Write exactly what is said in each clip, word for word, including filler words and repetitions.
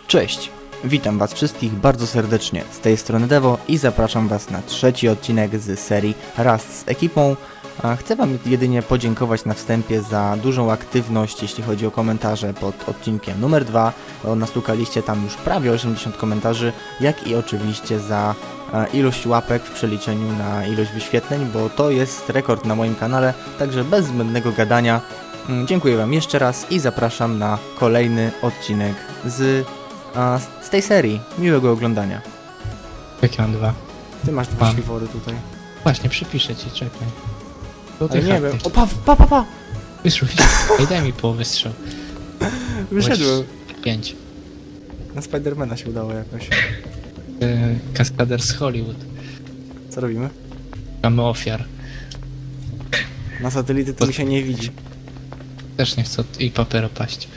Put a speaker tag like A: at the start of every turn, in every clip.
A: Cześć, witam was wszystkich bardzo serdecznie, z tej strony Devo i zapraszam was na trzeci odcinek z serii Rust z ekipą. Chcę wam jedynie podziękować na wstępie za dużą aktywność, jeśli chodzi o komentarze pod odcinkiem numer dwa. Nastukaliście tam już prawie osiemdziesiąt komentarzy, jak i oczywiście za ilość łapek w przeliczeniu na ilość wyświetleń, bo to jest rekord na moim kanale, także bez zbędnego gadania. Dziękuję wam jeszcze raz i zapraszam na kolejny odcinek z, a, z tej serii. Miłego oglądania.
B: Jakie mam dwa?
A: Ty masz dwa
B: Mam.
A: śliwory tutaj.
B: Właśnie, przypiszę ci, czekaj. To
A: Ale nie wiem. O, pa, pa, pa, pa!
B: Wyszło. Ej, daj mi połowę strzał.
A: Wyszedłem.
B: Pięć.
A: Na Spidermana się udało jakoś.
B: Yy, kaskader z Hollywood.
A: Co robimy?
B: Mamy ofiar.
A: Na satelity to mi się nie widzi.
B: Też nie chcę od- i papero paść.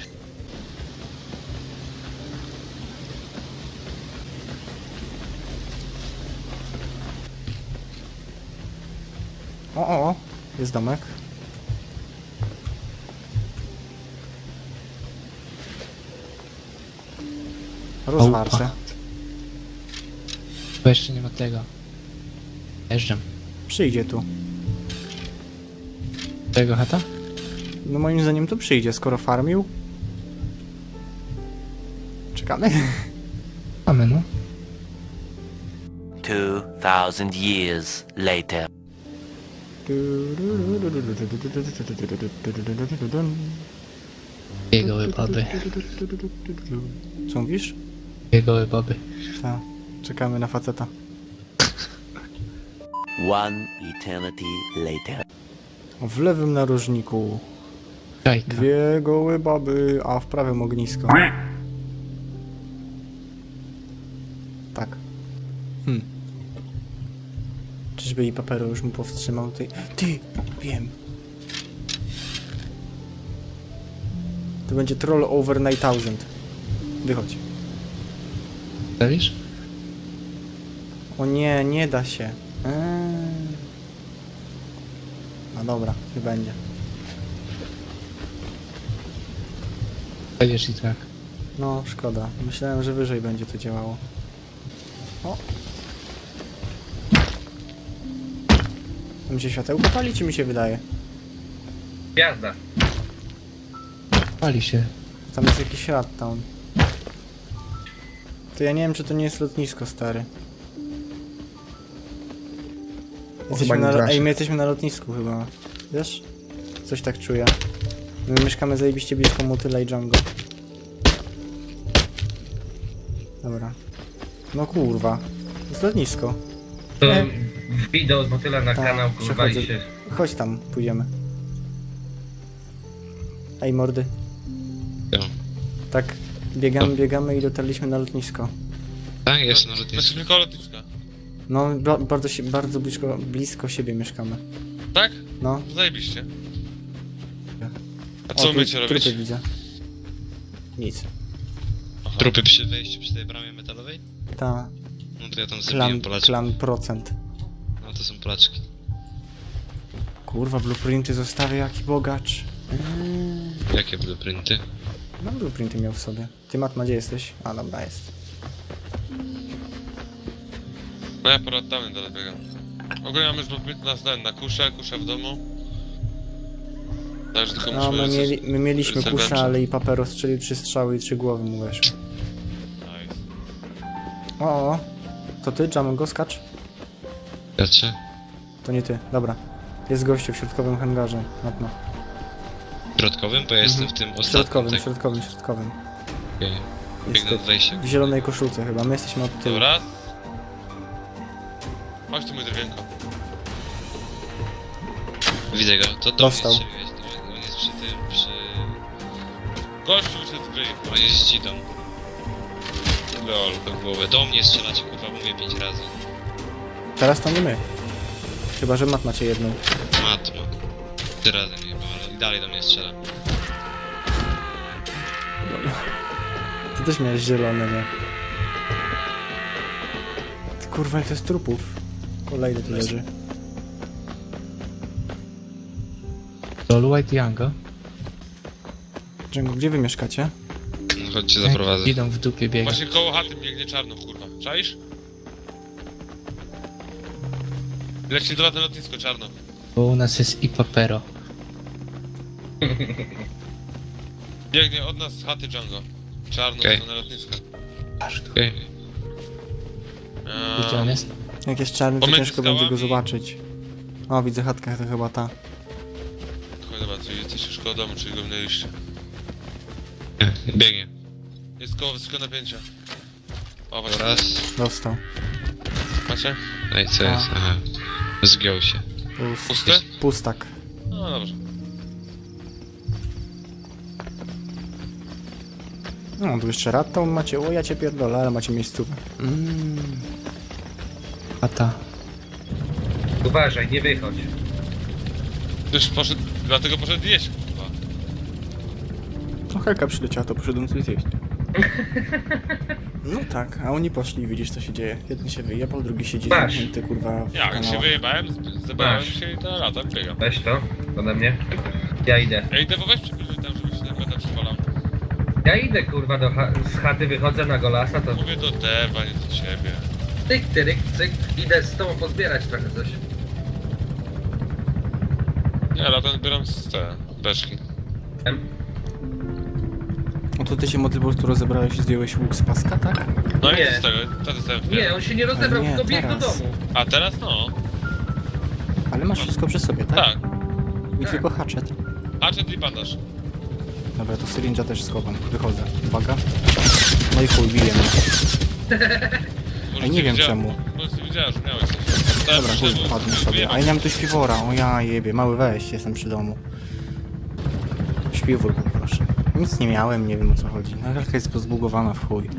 A: O, o, o. Jest domek. Rozwarce.
B: Bo jeszcze nie ma tego. Jeżdżam.
A: Przyjdzie tu.
B: Tego chata?
A: No moim zdaniem to przyjdzie, skoro farmił. Czekamy?
B: Mamy, no.
C: Two thousand years later.
B: Dwie gołe baby.
A: Co mówisz?
B: Dwie gołe baby.
A: Tak. Czekamy na faceta.
C: One eternity later.
A: W lewym narożniku
B: Czajka.
A: dwie gołe baby, a w prawym ognisko. Tak. Hmm. Czyżby i papero już mu powstrzymał tej... Ty! Wiem. To będzie Troll over nine thousand. Wychodź.
B: Stawisz?
A: O nie, nie da się. Eee. No dobra, nie będzie.
B: Będziesz i tak.
A: No, szkoda. Myślałem, że wyżej będzie to działało. O! To mi się światełko pali, czy mi się wydaje?
D: Gwiazda.
B: Pali się.
A: Tam jest jakiś shutdown. To ja nie wiem, czy to nie jest lotnisko, stary. Jesteśmy
D: nie
A: na,
D: trafi.
A: ej, my jesteśmy na lotnisku chyba. Wiesz? Coś tak czuję. My mieszkamy zajebiście blisko Motyla i Django. Dobra. No kurwa. To jest lotnisko.
D: To
A: Nie.
D: wideo z motyla na
A: Tak,
D: kanał, kurwa
A: przechodzę.
D: i się...
A: Chodź tam, pójdziemy. Ej, mordy.
E: Jo.
A: Tak, biegamy, biegamy i dotarliśmy na lotnisko.
E: Tak, jest na lotnisku.
F: Znaczy tylko lotniska.
A: No, ba bardzo, się, bardzo blisko, blisko siebie mieszkamy.
F: Tak?
A: No.
F: Zajebiście. A
A: O,
F: co
A: tu-
F: umiecie robić?
A: trupy widzę. Nic.
F: Aha.
E: Trupy przy wejściu, przy tej bramie metalowej?
A: Ta,
E: No to ja tam
A: klan,
E: zabiłem Polaczki.
A: klan procent.
E: No to są Polaczki.
A: Kurwa, blueprinty zostawię, jaki bogacz.
E: Jakie blueprinty?
A: No, blueprinty miał w sobie. Ty, Matma, gdzie jesteś? A, dobra, jest.
F: No ja porad dawny dalej biegam. Ogólnie mamy zbyt nas na, na kuszę, kuszę w domu. Także tylko
A: No,
F: musimy...
A: my, mieli, my mieliśmy
F: serdecznie.
A: kusza, ale i papero strzelił trzy strzały i trzy głowy mu weszły.
F: Nice.
A: O, o, to ty, Django, skacz?
E: Wiecie?
A: To nie ty, dobra. Jest gościu w środkowym hangarze, Matma.
E: Środkowym? Bo ja jestem w tym
A: W
E: ostatnim.
A: środkowym,
E: tak?
A: środkowym, środkowym.
E: Okej.
A: Jest
E: Biegnę od wejścia.
A: w zielonej koszulce chyba, my jesteśmy od tyłu.
F: Dobra. Chodź tu mój drewnienko.
E: Widzę go. To do mnie
A: Dostał.
E: strzeliłeś. On jest przy tym, przy...
F: Gościu się zgryj.
E: On jest z dzidą. Lol, do głowy. Do mnie strzelacie, kurwa, mówię pięć razy.
A: Teraz to nie my. Chyba, że Mat macie jedną.
E: Matma. Trzy razy mnie chyba, ale i dalej do mnie strzela.
A: Ty też miałeś zielone, nie? Ty kurwa, ile to jest trupów. Kolejny tu leży.
B: Lol White Younga.
A: Django, gdzie wy mieszkacie?
E: No chodźcie, zaprowadzę.
B: Idą w dupie biega.
F: Właśnie koło chaty biegnie czarno, kurwa. Czaisz? Leci do na lotnisko, czarno.
B: Bo u nas jest i papero.
F: Biegnie od nas z chaty Django. Czarno,
E: Okej.
F: okay. na lotnisko.
E: Okej.
F: Eee,
B: Gdzie on jest?
A: Jak jest czarny, to
F: Pomiędzy
A: ciężko będzie go
F: skałami.
A: zobaczyć. O, widzę chatkę, to chyba ta.
F: Chodź, dobra, tu jesteś już koło domu, czyli go minęliście.
E: Biegnie.
F: Jest koło wysokiego napięcia. O, właśnie.
E: Raz.
A: Dostał.
F: Macie?
E: No i co jest? Aha. Zgiął się.
A: Pust-
F: Pusty?
A: Pustak.
F: No dobrze.
A: No, tu jeszcze raz to macie, o ja cię pierdolę, ale macie miejscówę.
B: Mmm. Chata.
D: Uważaj, nie wychodź.
F: Już poszedł, dlatego poszedł jeść, kurwa.
A: No Helka przyleciała, to poszedłem coś zjeść. No tak, a oni poszli i widzisz co się dzieje. Jeden się wyjebał, drugi siedzi
D: Masz.
A: zamknięty, kurwa w
F: Ja, jak się
A: kanałach.
F: wyjebałem, z- zebrałem
D: Masz.
F: się i to lata biegam.
D: Weź to ode mnie. Ja idę.
F: Ej, Dewo, weź przypilnuj tam, żeby się ten meta przywalał.
D: Ja idę kurwa do cha z chaty, wychodzę na golasa, to
F: Mówię do Dewa, nie do ciebie.
D: tyk, tyryk, cyk. Idę z tobą pozbierać trochę coś.
F: Nie, latem zbieram z te beczki.
D: Em,
A: No to ty się Modlibor, tu rozebrałeś i zdjąłeś łuk z paska, tak?
F: No i
D: Nie.
F: co z tego? Co ty sobie
D: Nie, on się nie rozebrał,
A: nie,
D: tylko biegł do
A: teraz.
D: domu.
F: A teraz no.
A: Ale masz wszystko przy sobie, tak?
F: Tak.
A: I
D: Tak.
A: tylko hatchet.
F: Hatchet i bandaż.
A: Dobra, to syringa też schowam. Wychodzę. Uwaga. No i chuj, bije mnie.
F: Może
A: Ej, nie
F: ty
A: wiem
F: widziała-
A: czemu.
F: Może ty widziałeś, że miałeś coś. To ja
A: Dobra, chuj,
F: przyszedłem,
A: padnę
F: żeby
A: sobie.
F: wyjebać.
A: A ja nie mam tu śpiwora. O ja jebie, mały weź, jestem przy domu. Śpiwór poproszę. Nic nie miałem, nie wiem o co chodzi. No Helka jest pozbugowana w chuj.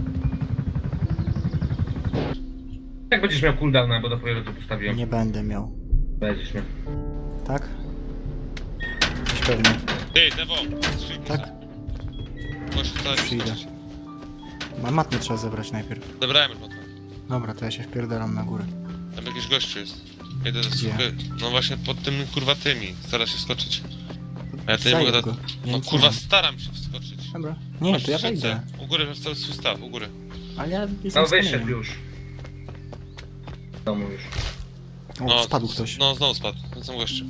D: Jak będziesz miał cooldowna, bo dopiero tu postawiłem.
A: Nie będę miał.
D: Będziesz miał.
A: Tak? Coś pewnie.
F: Ej, Dewo, strzelj mi
A: Tak?
F: za- Możesz wcale nie
A: Przyjdę.
F: skoczyć.
A: Ma matny trzeba zebrać najpierw.
F: Zebrałem już matkę.
A: Dobra, to ja się wpierdalam na górę.
F: Tam jakiś gościu jest. Jedę do
A: Gdzie?
F: słuchy. No właśnie pod tym kurwa tymi. Stara się skoczyć. A ja to nie
A: Zajeb
F: mogę
A: go.
F: dać.
A: Ja
F: No
A: nic
F: kurwa
A: nie mam.
F: staram się wskoczyć.
A: Dobra. Nie,
F: Masz
A: to ja
F: skrzynce.
A: wejdę.
F: U góry masz cały swój staw, u góry.
A: Ale ja jestem
D: No
A: z
D: wyszedł
A: kamieniem.
D: już. W domu już.
A: O, spadł ktoś.
F: No znowu spadł. Ten sam gościu.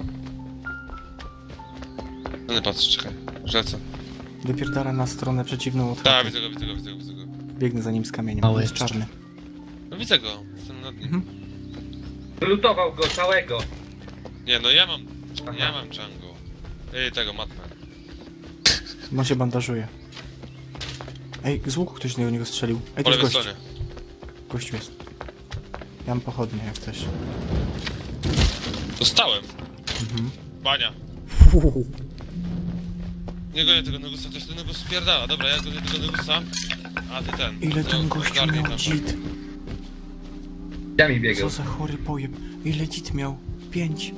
F: No nie patrz, czekaj. Rzece.
A: Wypierdala na stronę przeciwną od
F: Tak,
A: chaty.
F: widzę go, widzę go, widzę go, widzę go.
A: Biegnę za nim z kamieniem.
B: Mały.
A: Jest czarny.
F: No widzę go, jestem nad nim.
A: Mhm.
D: Wylutował go całego.
F: Nie, no ja mam.
D: Aha.
F: Ja mam Django. Ej, tego matmę.
A: On się bandażuje. Ej, z łuku ktoś do niego strzelił. Ej,
F: Po
A: to jest
F: lewej
A: gość.
F: stronie.
A: Gościu jest. Ja mam pochodnie, jak chcesz.
F: Dostałem.
A: Mhm.
F: Bania. Nie gonię tego Negusa, ktoś ten Negus spierdala. Dobra, ja gonię tego Negusa. A ty ten.
A: Ile
F: no,
A: ten gościu
F: ogarnij
A: miał
F: tam.
A: dzit?
D: Ja mi biegał.
A: Co za chory pojeb. Ile dzit miał? Pięć.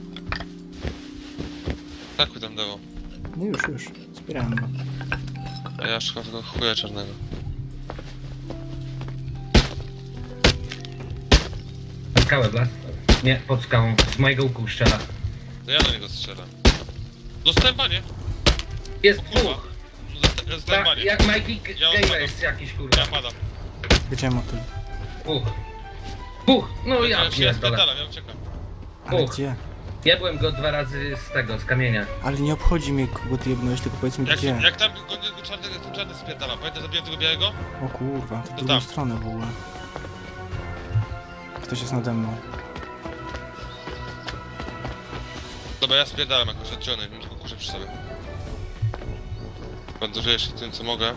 F: Tak tam dało.
A: No już, już. Zbierałem go.
F: A ja szukam tego chuja czarnego.
D: Skałę blast. Nie, pod skałą. Z mojego łuku strzela.
F: To ja do niego strzelam. Dostałem banie.
D: Jest
F: Kurwa.
D: dwóch.
F: No, dosta- ja dostałem
D: Ta,
F: banie.
D: jak Mikey G-
F: Ja
D: Gamer
F: odpadam.
D: jest jakiś kurwa.
F: Ja padam.
A: Wiedziałem o tym.
D: Dwóch. Dwóch. No ja
F: ja się
D: pierdolę.
F: spierdalam, ja uciekam.
A: Ale
D: Uch.
A: gdzie?
D: Ja byłem go dwa razy z tego, z kamienia.
A: Ale nie obchodzi mnie, kogo ty jebnąłeś, tylko powiedz mi
F: Jak,
A: gdzie.
F: jak tam gonię go czarnego, ten czarny spierdalam. Pamiętaj, zabiłem tego białego?
A: O kurwa, to w
F: To
A: drugą
F: tam.
A: stronę w ogóle. Ktoś jest nade mną.
F: Dobra, ja spierdalam jakoś odciony, mam tylko kuszę przy sobie. Bandażuję się tym, co mogę.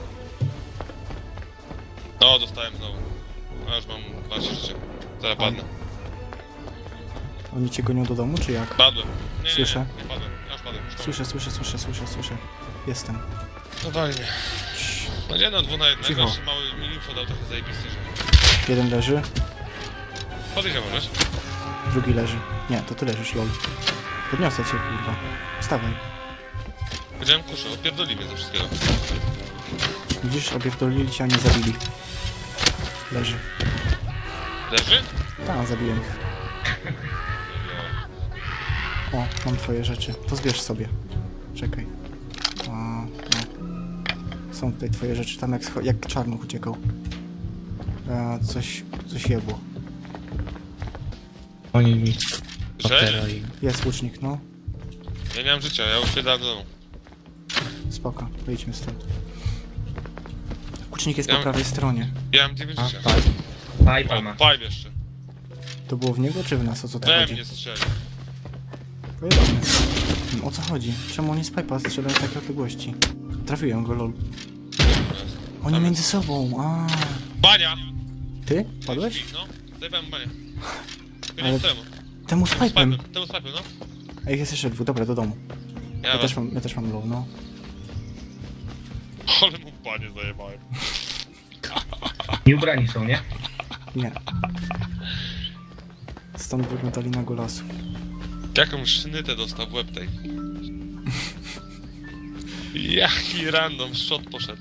F: O, dostałem znowu. A już mam dwanaście życia. Zaraz padnę.
A: Oni cię gonią do domu, czy jak?
F: Padłem. Nie, nie,
A: Słyszę.
F: Nie, nie padłem. Ja już padłem. Już padłem.
A: Słyszę, słyszę, słyszę, słyszę, słyszę. Jestem.
F: No fajnie. No nie no, dwóch na jednego,
A: Cicho.
F: jeszcze mały mi info dał trochę zajebisty, że...
A: Jeden leży,
F: Podejść możesz?
A: drugi leży. Nie, to ty leżysz, lol. Podniosę cię, kurwa. Wstawaj.
F: Powiedziałem kuszę, odpierdoli mnie ze wszystkiego.
A: Widzisz, opierdolili cię, a nie zabili. Leży.
F: Leży?
A: Tak, zabiłem ich. O, mam twoje rzeczy. To zbierz sobie. Czekaj. O, o. Są tutaj twoje rzeczy, tam jak, scho- jak czarnuch uciekał. E, coś, coś jebło.
B: Oni mi
F: Słyszałeś?
B: Papero i...
A: Jest łucznik, no.
F: Ja nie mam życia, ja już się dałem do domu.
A: Spoko, wyjdźmy stąd. Łucznik jest
F: Ja-
A: po prawej stronie.
F: Ja mam dziewięć
B: A,
F: życia.
B: tak.
D: Pipa
F: O,
D: ma.
F: pipe jeszcze.
A: To było w niego czy w nas? O co to
F: We
A: chodzi?
F: mnie strzeli.
A: Pojebane. O co chodzi? Czemu oni z pipa strzelają w takiej odległości? Trafiłem go, lol. Oni
F: Tam
A: między sobą, a
F: Bania!
A: Ty? Padłeś?
F: No, zajebałem banię.
A: Ale-
F: Ale... temu.
A: Temu z
F: Z
A: pipem.
F: pipem, temu z pipem, no.
A: Ej, jest jeszcze dwóch, dobra, do domu.
F: Ja,
A: Ja
F: ja
A: też mam, ja też mam low, no.
F: Ale mu banie zajebałem.
D: Nieubrani są, nie?
A: Nie. Stąd wyglądali na golasu.
F: Jaką sznytę dostał w łeb tej. Jaki random shot poszedł.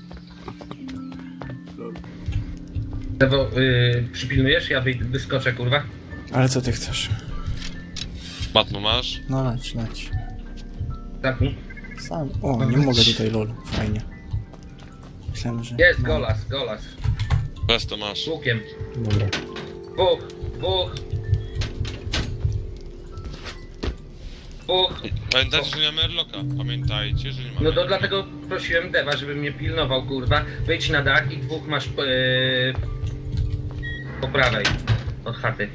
D: Lewo, yy, przypilnujesz? Ja wyj- wyskoczę, kurwa.
A: Ale co ty chcesz?
F: Matmo masz?
A: No leć, leć.
D: Zamknij.
A: Sam. O, nie mogę tutaj lol. Fajnie. Myślałem, że...
D: Jest
A: no.
D: golas, golas.
F: Bez to masz.
D: Z łukiem.
B: Dobra.
D: Dwóch, dwóch. Dwóch.
F: Pamiętajcie, że nie mamy airlocka. Pamiętajcie, że nie mamy
D: No to
F: airlocka.
D: dlatego prosiłem Deva, żeby mnie pilnował, kurwa. Wejdź na dach i dwóch masz yy, po prawej od chaty.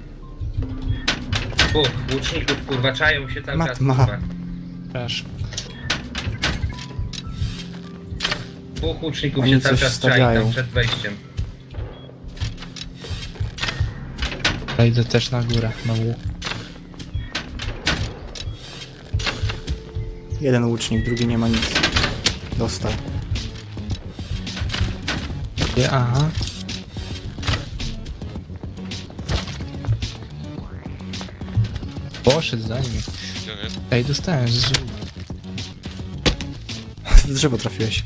D: Dwóch łuczników, kurwa, czają się cały
A: Mat
D: czas,
A: ma.
D: kurwa.
B: Przepraszam.
D: Dwóch łuczników
A: Oni
D: się cały
A: coś
D: czas czai
A: stawiają.
D: tam przed wejściem.
B: Ja idę też na górę, na łuk.
A: Jeden łucznik, drugi nie ma nic. Dostał.
B: Gdzie? Aha. Poszedł za nim.
F: Gdzie on jest?
B: Ej, dostałem z żółw.
A: W drzewo trafiłeś.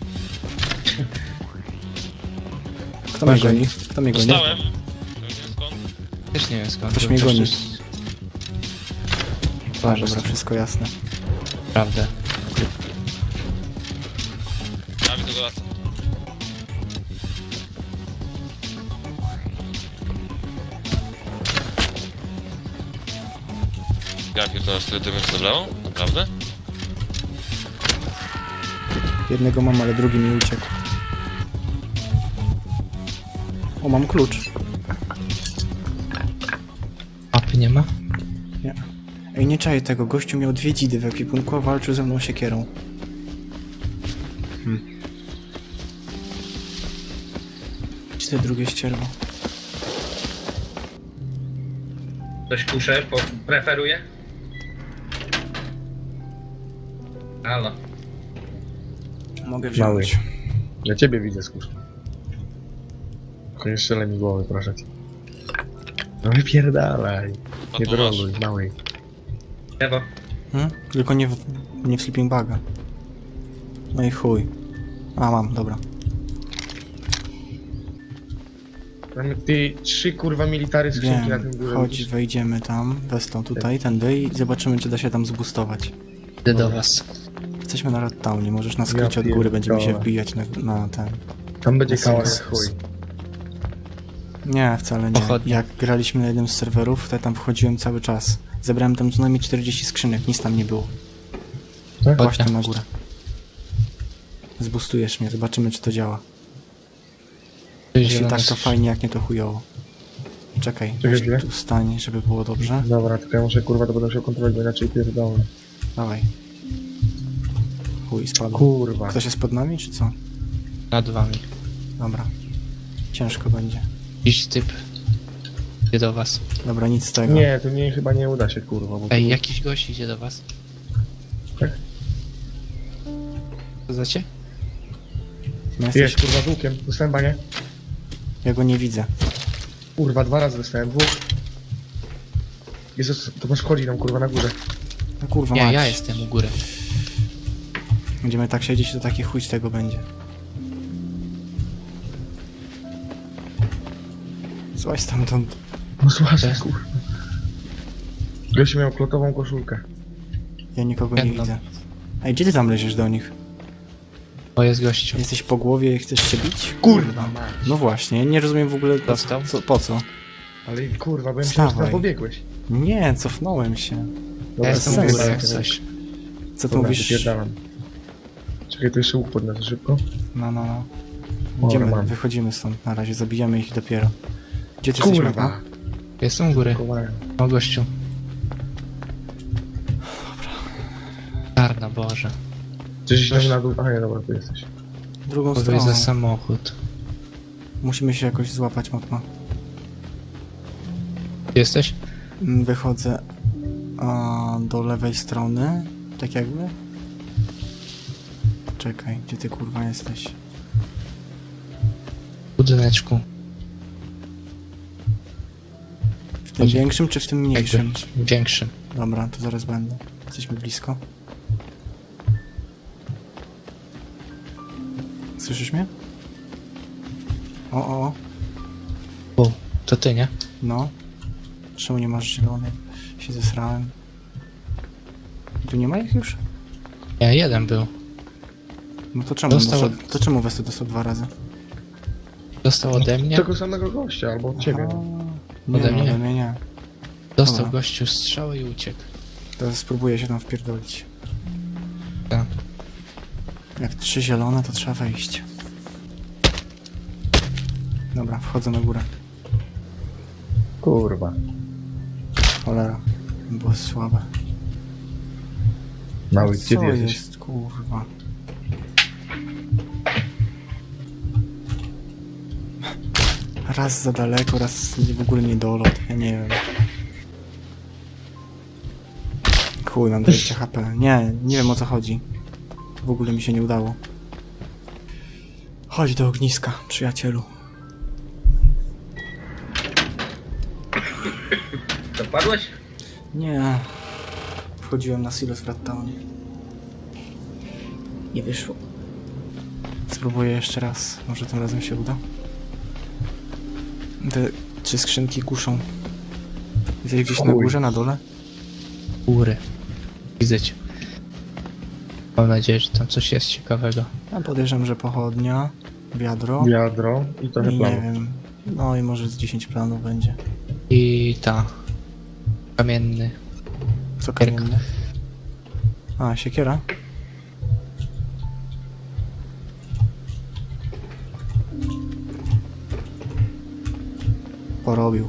A: Kto mnie goni? Kto mnie goni?
F: Dostałem. To nie wiem skąd.
B: Też nie wiem skąd.
A: Ktoś
B: to
A: mnie goni.
B: przecież-
A: A, dobra, wszystko jasne.
B: Prawda.
F: Ja widzę go lasa. Ja pierdolę, tyle dymy zabrało? Naprawdę?
A: Jednego mam, ale drugi mi uciekł. O, mam klucz.
B: Mapy nie ma?
A: Nie. Ej, nie czaję tego. Gościu miał dwie dzidy w ekwipunku, a walczył ze mną siekierą. Hmm. Gdzie te drugie ścierwo?
D: Ktoś kuszę, po, preferuje? Halo.
A: Mogę
G: Mały.
A: wziąć.
G: Ja ciebie widzę, skurcz. Tylko nie strzelaj mi głowy, proszę cię. No wypierdalaj.
F: A
G: Nie
F: to masz.
G: droluj, mały.
D: Lewo.
A: Hmm? Tylko nie w, nie w sleeping baga. No i chuj. A, mam, dobra.
G: Mamy ty trzy kurwa military skrzynki na
A: Wiem,
G: tym górze.
A: chodź, wejdziemy tam, westą tutaj, tędy i zobaczymy, czy da się tam zboostować.
B: Idę do was.
A: Jesteśmy na Red Townie, możesz na skrócie
G: Ja
A: od góry, będziemy się
G: pierdolę.
A: wbijać na, na ten...
G: Tam będzie
A: Jest-
G: kałas
A: jest-
G: chuj.
A: Nie, wcale nie.
B: Pochodnie.
A: Jak graliśmy na jednym z serwerów, to ja tam wchodziłem cały czas. Zebrałem tam co najmniej czterdzieści skrzynek, nic tam nie było.
G: Tak?
A: Chodź tam na górę. Zbustujesz mnie, zobaczymy, czy to działa. Jeśli
B: Zielone
A: tak, to
B: skrzynki.
A: fajnie, jak nie, to chujowo. Czekaj,
G: Czekaj
A: weź
G: chwilę.
A: tu stań, żeby było dobrze.
G: Dobra, tylko ja muszę kurwa to będę musiał kontrolować, bo inaczej pierdolę.
A: Dawaj. Chuj, spadł.
G: Kurwa.
A: Ktoś jest pod nami, czy co?
B: Nad wami.
A: Dobra. Ciężko będzie.
B: Jakiś typ. Idzie do was.
A: Dobra, nic z tego.
G: Nie, to mnie chyba nie uda się kurwa, bo
B: Ej,
G: tu-
B: jakiś gość idzie do was.
G: Tak?
B: Co znacie?
A: No jesteś...
G: Jest kurwa z łukiem, dostałem banie.
A: Ja go nie widzę.
G: Kurwa, dwa razy dostałem, dwóch. Jezus, to masz wchodzi nam kurwa na górze.
A: No kurwa,
B: Nie,
A: mać.
B: ja jestem u góry.
A: Będziemy tak siedzieć, to taki chuj z tego będzie. Złaź stamtąd.
G: No słuchaj,
B: Jest.
G: kurwa. Gościu miał klotową koszulkę.
A: Ja nikogo nie
B: Jedną.
A: widzę. Ej, gdzie ty tam leziesz do nich?
B: O, jest gościu.
A: Jesteś po głowie i chcesz się bić?
G: Kurwa mać.
A: No właśnie, nie rozumiem w ogóle po,
B: Dostał?
A: co, po co.
G: Ale kurwa, bo ja myślałem, że
A: Wstawaj.
G: tam pobiegłeś.
A: Nie, cofnąłem się.
G: Dobra,
B: Ja jestem
A: sensu.
B: u góry jak coś.
A: Co ty
G: Dobra,
A: mówisz?
G: wypierdalam. Czekaj, to jeszcze łuk podniosę szybko.
A: No, no, no.
G: Dobra,
A: Idziemy,
G: mam.
A: wychodzimy stąd na razie, zabijamy ich dopiero. Gdzie ty jesteś,
G: Kurwa.
A: mapa?
B: Jestem u góry.
G: Kowałem.
B: O, gościu. Czarna, Boże.
G: Gdzieś tam na dół. A nie, dobra, tu jesteś.
A: Drugą
B: Podaj
A: stroną.
B: za samochód.
A: Musimy się jakoś złapać, mapa.
B: Gdzie jesteś?
A: Mm, Wychodzę a, do lewej strony, tak jakby. Czekaj, gdzie ty kurwa jesteś?
B: W budyneczku.
A: W tym większym czy w tym mniejszym?
B: Jakby większym.
A: Dobra, to zaraz będę. Jesteśmy blisko. Słyszysz mnie? O, o, o.
B: O, to ty, nie?
A: No. Czemu nie masz zielonej? Się zesrałem. Tu nie ma ich już?
B: Nie, jeden był.
A: No to czemu?
B: Dostał-
A: Dostał... To czemu Westy dostał dwa razy?
B: Dostał ode mnie.
G: Tego samego gościa, albo od ciebie. No.
A: Nie,
B: Ode
A: no,
B: mnie?
A: ode mnie nie.
B: Dostał
A: Dobra.
B: gościu strzałę i uciekł.
A: Teraz spróbuję się tam wpierdolić.
B: Tak.
A: Jak trzy zielone, to trzeba wejść. Dobra, wchodzę na górę.
G: Kurwa.
A: Cholera. Było słabe.
G: Mały, gdzie
A: Co
G: ty jesteś?
A: jest, kurwa? Raz za daleko, raz w ogóle nie dolot. Ja nie wiem. Chuj, mam dwadzieścia H P. Nie, nie wiem o co chodzi. W ogóle mi się nie udało. Chodź do ogniska, przyjacielu.
D: Dopadłeś?
A: Nie. Wchodziłem na silos w Rattownie. Nie wyszło. Spróbuję jeszcze raz. Może tym razem się uda. Te trzy skrzynki kuszą. Jesteś gdzieś na
G: Chuj.
A: górze, na dole?
B: Góry. Widzę cię. Mam nadzieję, że tam coś jest ciekawego.
A: Ja podejrzewam, że pochodnia, wiadro
G: Wiadro i trochę
A: i nie
G: planu.
A: wiem. No i może z dziesięć planów będzie.
B: I ta. Kamienny.
A: Co
B: Siekierka.
A: kamienne? A, siekiera? Porobił.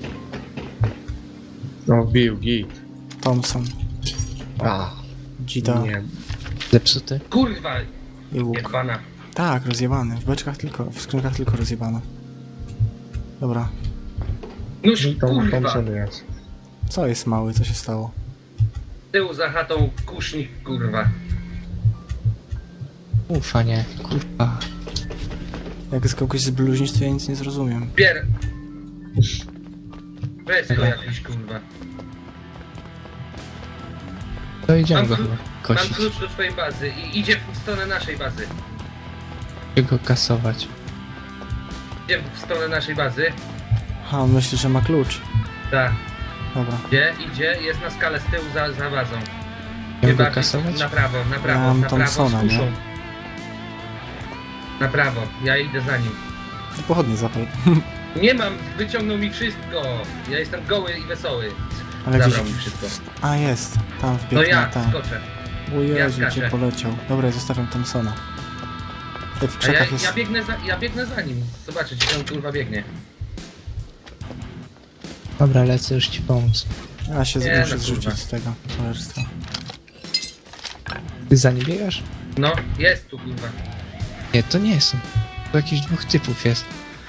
G: No, wbił, git.
A: Thompson,
G: A,
A: Gita
G: nie.
B: Zepsuty.
D: Kurwa,
A: i łuk.
D: jebana.
A: Tak, rozjebany. W beczkach tylko, w skrzynkach tylko rozjebano. Dobra.
D: Nóż,
G: Tom,
D: kurwa.
G: Thompson jest.
A: Co jest mały? Co się stało?
D: Tył za chatą kusznik, kurwa.
B: Ufa, nie. Kurwa.
A: Jak z kogoś zbluźnisz, to ja nic nie zrozumiem.
D: Pier... Fresko jakiś, kurwa.
B: To idziemy
D: Mam
B: go
D: klu-
B: chyba
D: Mam
B: kosić.
D: klucz do twojej bazy i idzie w stronę naszej bazy.
B: Idzie go kasować.
D: Idzie w stronę naszej bazy.
A: Ha, on myśli, że ma klucz.
D: Tak.
A: Dobra.
D: Idzie, idzie, jest na skalę z tyłu za, za bazą.
B: Idziemy go
D: bardziej
B: kasować?
D: na prawo, na prawo,
A: mam
D: na prawo z
A: Thompsona,
D: kuszą.
A: nie?
D: Na prawo, ja idę za nim.
A: I pochodnie zapal.
D: Nie mam, wyciągnął mi wszystko. Ja jestem goły i wesoły.
A: Ale
D: Zabrał
A: gdzieś...
D: mi wszystko.
A: A, jest. Tam wbiegł
D: No
A: na
D: ja
A: tam.
D: skoczę.
A: O Jezu,
D: ja
A: gdzie
D: skaczę.
A: poleciał. Dobra, ja zostawiam Thompsona. Tutaj w
D: A ja,
A: krzakach jest...
D: ja, biegnę za, ja biegnę za nim. Zobaczcie, gdzie on kurwa biegnie.
B: Dobra, lecę już ci pomóc.
A: Ja się
D: Nie,
A: muszę
D: no,
A: zrzucić
D: kurwa.
A: z tego cholerstwa.
B: Ty za nim biegasz?
D: No, jest tu kurwa.
B: Nie, to nie są. To jakichś dwóch typów jest.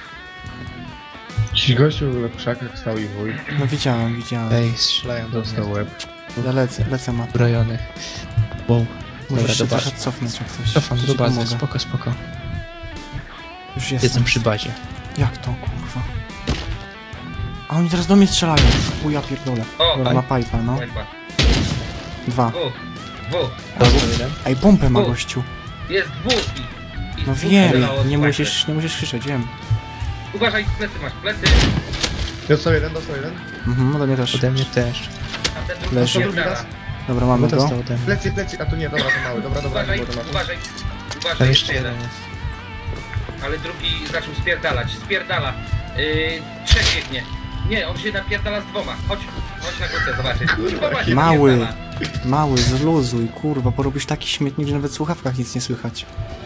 G: Ci gościu w krzakach stał i wuj.
A: No widziałem, widziałem.
B: Ej, strzelają do mnie.
G: Dostał łeb.
A: Ja lecę, lecę ma.
B: Uzbrojonych. Wow.
A: Musisz
B: Dobra,
A: się
B: do bazy.
A: trochę cofnąć jak coś.
B: Cofam
A: Ci
B: do bazy,
A: pomogę.
B: spoko, spoko.
A: Już jestem.
B: Jestem przy bazie.
A: Jak to, kurwa? A oni teraz do mnie strzelają. O ja pierdolę.
D: O,
A: Dobra, ma pipa, no.
D: Kurwa.
A: Dwa.
D: Dwóch. Dwóch.
B: Dostał jeden.
A: Ej, pompę ma
D: O.
A: gościu.
D: Jest dwóch i... i
A: No
D: dwóch
A: wiem,
D: strzelało z
A: nie
D: pajka.
A: musisz, nie musisz krzyczeć, wiem.
D: Uważaj, plecy masz, plecy.
G: Dostał jeden, dostał jeden.
A: Mhm, ode mnie też.
B: Ode mnie też.
D: A ten drugi
A: Leży.
D: spierdala.
A: Dobra,
B: No
A: mamy go.
B: dostał ode mnie.
G: Plecy, plecy, a tu nie, dobra, to mały. Dobra, dobra,
D: Uważaj,
G: nie było to mały.
D: uważaj. uważaj,
B: Tam
D: jeszcze
B: jeszcze
D: jeden.
B: jeden jest.
D: Ale drugi zaczął spierdalać. Spierdala. Yy, trzech biegnie. Nie, on się napierdala z dwoma. Chodź, chodź na górkę zobaczyć. Kurwa, właśnie
A: Mały.
D: napierdala.
A: Mały, zluzuj, kurwa, porobisz taki śmietnik, że nawet w słuchawkach nic nie słychać.